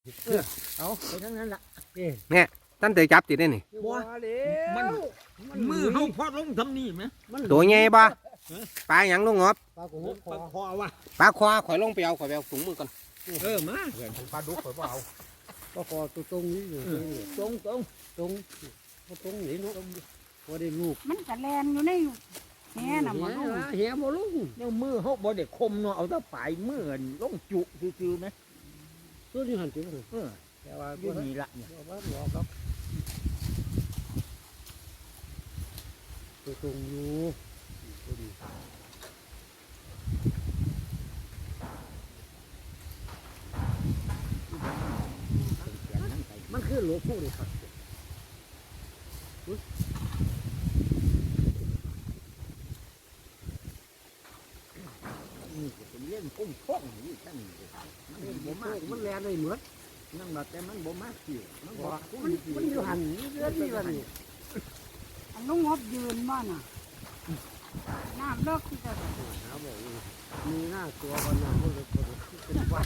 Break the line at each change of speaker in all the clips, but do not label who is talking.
เอาไปทั้งนั้นละ
เนี่ยตั้นเตยจับติดได้นี่
บัวมันมือเขาพอลงทำนี่ไหม
ตัวใหญ่บ่ปลาหยังลุงงอบ
ปลาโขง
ปลาคอวะ
ปลาควาข่อยลงไปเอาถุงมือก่อน
มา
ปลาดุกข่อยบ่เอา
ปลาคอตัวตรงนี้อยู่
ตรงตรง
ตรงตรงนี้เนาะพอได้ลูก
มันกระแลนอยู่ในแหน่ะหมอลูก
เหี้ยบ่ลุง
เนี่ยมือเขาบ่ได้คมเนาะเอาแต่ปลายมือลงจุซื่อๆไหม
ตัวนี้หันถึง
แต่ว่าอยู่นี่ละเนี่ย
ว่าบอกครับตัวตรงอยู่ตัวนี้มันคือหลวงปู่เลยครับ
นี่เป็นเล่นกุ้งท่องนี่ท่านมันบ่มาก
มันแลนได้เหมือน
นั่งมาแต่มันบ่มากสิมันบ่
มันอยู่หันเรื่อยๆวันนี้
อันลุงงบยืนบ้าน่ะน้ำเลิกที่จะ
หาบอกมีหน้าตัววันนั้นมันเลยเป็นว่า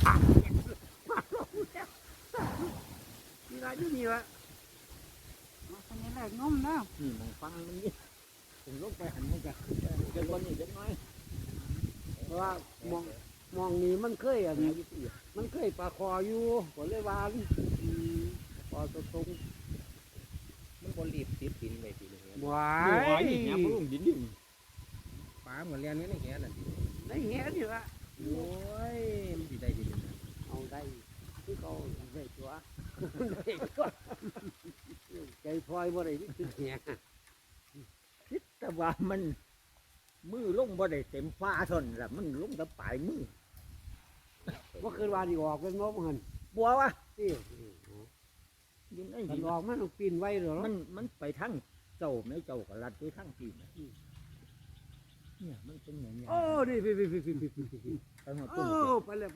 มีอะไรที่นี่วะ
มาคนนี้เลยงมแล้ว
นี่มองฟังมันนี่ผมลงไปหันมันจะขึ้นไปเดี๋ยววันนี้เด็กน้อย
เพราะว่ามองนี่มันเคยอันมันเคยปลาคออยู่ก็เลยวานปลาตัวตรง
มันบ่รีบติดดินไว้ติเลย
หวา
โอ้
ย
ยเนี่ยมันลงดินดิ
ปลาเหมือนเรียนนี่ในแหน่ะ
ได้แหงนี่วะ
โอ้ยมันสิได้ดีนะ
เอาได้ที่เขาได้ตัวได้ตัวใจพลอยบ่ได้ที่แหง
คิดแต่ว่ามันมือลงบ่ได้เต็มฟ้าทนละมันลงแต่ปลายมือ
ว่าคืนวานอีกออกเป็นงบหัน
บัววะ
ที่
ยินไอ้
กัน
นี่
ออกมันต้องปีนไว้เหรอ
มันไปทั้งเจ้าไม่เจ้าก็ลัดไปทั้งปีเนี่ยมันเป็นอย่างนี้
โอ้นี่พี่
ไปหมด
โอ้
ต้น
ไปเลยไป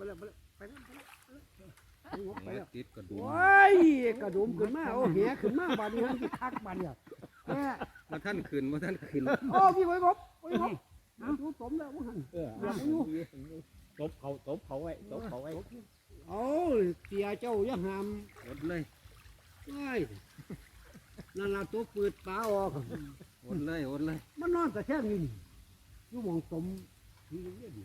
แล้ว
ติดกระดูก
โอ้ยกระดุมขึ้นมาโอ้แหขึ้นมาบาดนี้มันสิคักบาดเนี่ยแม่
มาท่านขึ้น
โอ้พี่ไว้บดูสมแล้วมัน
ตบเขาไว้ตบเขาไว้
โอ้เสียเจ้ายังหาม
อดเลย
เอ้ยนั่นล่ะตัวปืดปลาออก
อดเลย
มันนอนแต่แค่นี้อยู่มองสมที่เรียน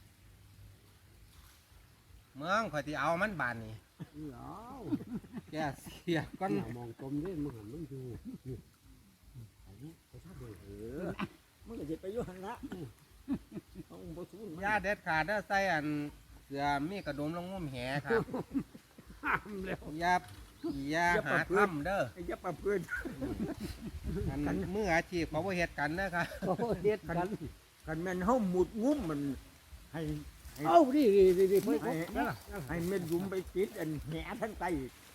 เมืองข่อยสิเอามันบานนี่
เอา
แกเสียก่อน
มองสมนี่มันหันมันอยู่อันนี้ไปทักเลย
มันก็จะไปอยู่หันละเอาบ่สู้
ยาเด็ดขาดเด้อใส่อันเสือมีกระดุมลงงุ่มแหครับ
ห้ามแล้ว
อย่าหาทำเด้อ
ไอ้ยับปะเพื่อน
อันมืออาชีพเขาบ่เฮ็ดกันนะครับ
โอ้เด็ดกัน
กันแม่นเฮาหมุดงุ้มมันให้
เอ้าดิเพื่อน
ให้เม็ดยุมไปติดอันแหทั้งไต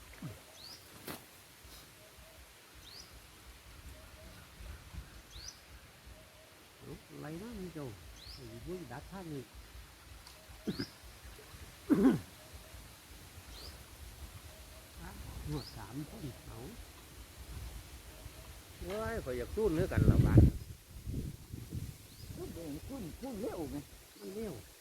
อะไรนะมึงเจ้ามึงดักท่านนี่หัวสามคนเอา
โอ้ยข่อยอยากสู้เนื้อกันละบาด
คุ้นเร็วไง
มันเลี้ยว
เ